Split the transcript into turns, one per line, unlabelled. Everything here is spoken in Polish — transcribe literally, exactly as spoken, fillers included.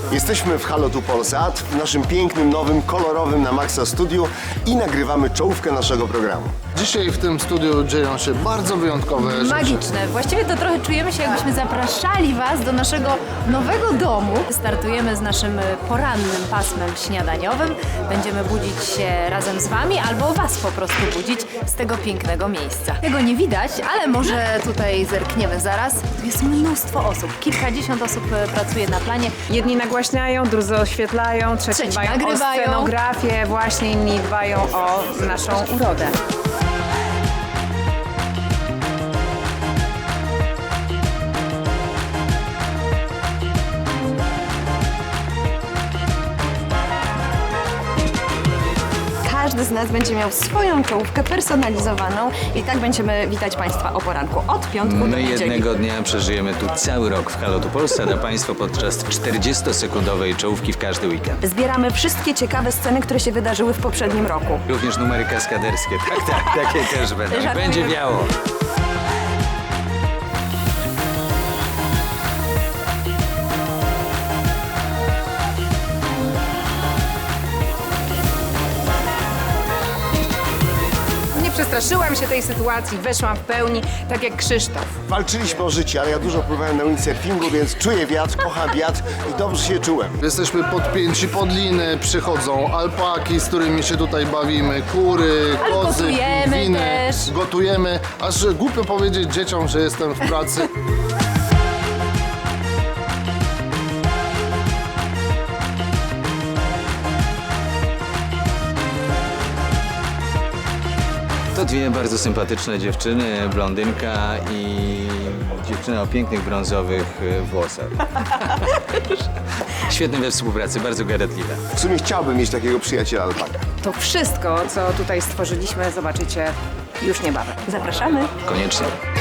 Jesteśmy w Halo tu Polsat, w naszym pięknym, nowym, kolorowym na maksa studiu i nagrywamy czołówkę naszego programu.
Dzisiaj w tym studiu dzieją się bardzo wyjątkowe rzeczy.
Magiczne. Właściwie to trochę czujemy się, jakbyśmy zapraszali Was do naszego nowego domu. Startujemy z naszym porannym pasmem śniadaniowym. Będziemy budzić się razem z Wami albo Was po prostu budzić z tego pięknego miejsca. Tego nie widać, ale może tutaj zerkniemy zaraz. Tu jest mnóstwo osób. Kilkadziesiąt osób pracuje na planie.
Jedni nagłaśniają, drudzy oświetlają, trzeci,
Trzeci
dbają
nagrywają.
o scenografię, właśnie inni dbają o naszą urodę.
Każdy z nas będzie miał swoją czołówkę personalizowaną i tak będziemy witać Państwa o poranku od piątku do
My
niedzieli.
jednego dnia przeżyjemy tu cały rok w Halo tu Polsat, a Państwo podczas czterdziestosekundowej czołówki w każdy weekend.
Zbieramy wszystkie ciekawe sceny, które się wydarzyły w poprzednim roku.
Również numery kaskaderskie, tak, tak, takie też będą. I będzie wiało.
Nie przestraszyłam się tej sytuacji, weszłam w pełni, tak jak Krzysztof.
Walczyliśmy o życie, ale ja dużo pływałem na windsurfingu, więc czuję wiatr, kocham wiatr i dobrze się czułem.
Jesteśmy podpięci pod liny, przychodzą alpaki, z którymi się tutaj bawimy, kury,
Ale
kozy,
gotujemy
pingwiny,
też.
gotujemy, aż głupio powiedzieć dzieciom, że jestem w pracy.
To dwie bardzo sympatyczne dziewczyny, blondynka i dziewczyna o pięknych brązowych e, włosach. Świetne we współpracy, bardzo gadatliwe.
W sumie chciałbym mieć takiego przyjaciela alpaka.
To wszystko, co tutaj stworzyliśmy, zobaczycie już niebawem.
Zapraszamy!
Koniecznie.